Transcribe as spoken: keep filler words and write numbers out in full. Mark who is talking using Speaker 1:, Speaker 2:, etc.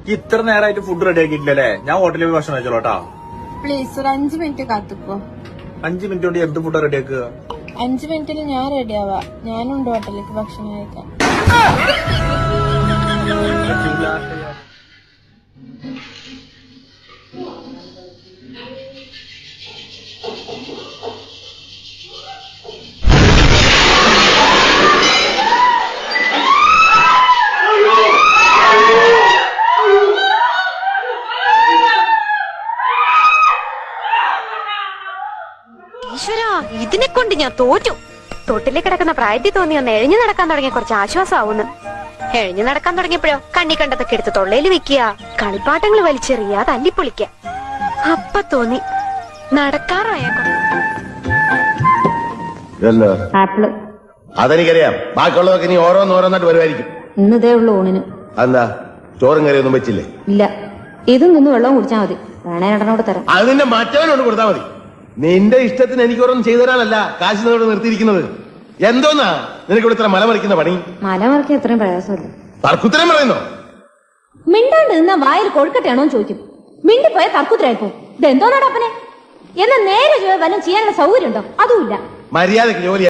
Speaker 1: ഇത്ര നേരമായിട്ട് food ready ആക്കിയിട്ടില്ലല്ലേ? ഞാൻ ഹോട്ടലിൽ പോയി ഭക്ഷണം കഴിച്ചോളൂട്ടാ.
Speaker 2: പ്ലീസ് ഒരു അഞ്ചു മിനിറ്റ് കാത്തുക്കോ.
Speaker 1: അഞ്ചു മിനിറ്റ് കൊണ്ട് എന്ത് ഫുഡ് റെഡി ആക്കുക?
Speaker 2: അഞ്ചു മിനിറ്റിൽ ഞാൻ റെഡി ആവാ. ഞാനുണ്ട് ഹോട്ടലിലേക്ക് ഭക്ഷണം കഴിക്കാൻ.
Speaker 3: ഈശ്വരാ, ഇതിനെ കൊണ്ട് ഞാൻ തോറ്റു. തൊട്ടിലേക്ക് കിടക്കുന്ന പ്രായത്തിൽ തോന്നി ഒന്ന് എഴിഞ്ഞു നടക്കാൻ തുടങ്ങിയ കുറച്ച് ആശ്വാസമാവുന്നു. എഴിഞ്ഞു നടക്കാൻ തുടങ്ങിയപ്പോഴോ കണ്ണി കണ്ടതൊക്കെ എടുത്ത് തൊള്ളയിൽ വെക്കുക, കളിപ്പാട്ടങ്ങൾ വലിച്ചെറിയ, തല്ലിപ്പൊളിക്ക. അപ്പൊ തോന്നി നടക്കാറായേക്കോ.
Speaker 4: ആപ്പിള്
Speaker 5: അതെനിക്കറിയാം. ബാക്കിയുള്ളതൊക്കെ ഇനി ഓരോന്നോരോന്നായിട്ട് വരുമായിരിക്കും.
Speaker 4: ഇന്നതേ ഉള്ളു ഊണിന്.
Speaker 5: എന്താ ചോറും കറിയൊന്നും വെച്ചില്ലേ?
Speaker 4: ഇല്ല, ഇതും നിന്ന് വെള്ളവും കുടിച്ചാൽ മതി. വേണേ രണ്ടെണ്ണോട് തരാം.
Speaker 5: അത് നിന്റെ മറ്റവനോട് കൊടുത്താൽ മതി. നിന്റെ ഇഷ്ടത്തിന് എനിക്ക് ഓരോന്നും ചെയ്തു തരാനല്ല കാശ് നിന്നോട് നിർത്തിയിരിക്കുന്നത്. എന്തോന്നാ നിനക്ക് ഇവിടെ ഇത്ര മല മറിക്കുന്ന പണി?
Speaker 4: മല മറിക്കാൻ എത്രയും പ്രയാസമില്ല.
Speaker 5: തർക്കുത്തരം പറയുന്നോ?
Speaker 4: മിണ്ടാണ്ട് നിന്ന വായിൽ കൊഴുക്കട്ടെയാണോ ചോദിക്കും. മിണ്ടിപ്പോയ തർക്കുത്തരായിപ്പോ. ഇതെന്തോന്നാടപ്പനെ? എന്നാ നേരെ വല്ലതും ചെയ്യാനുള്ള സൗകര്യം ഉണ്ടോ? അതുമില്ല.
Speaker 5: മര്യാദക്ക് ജോലി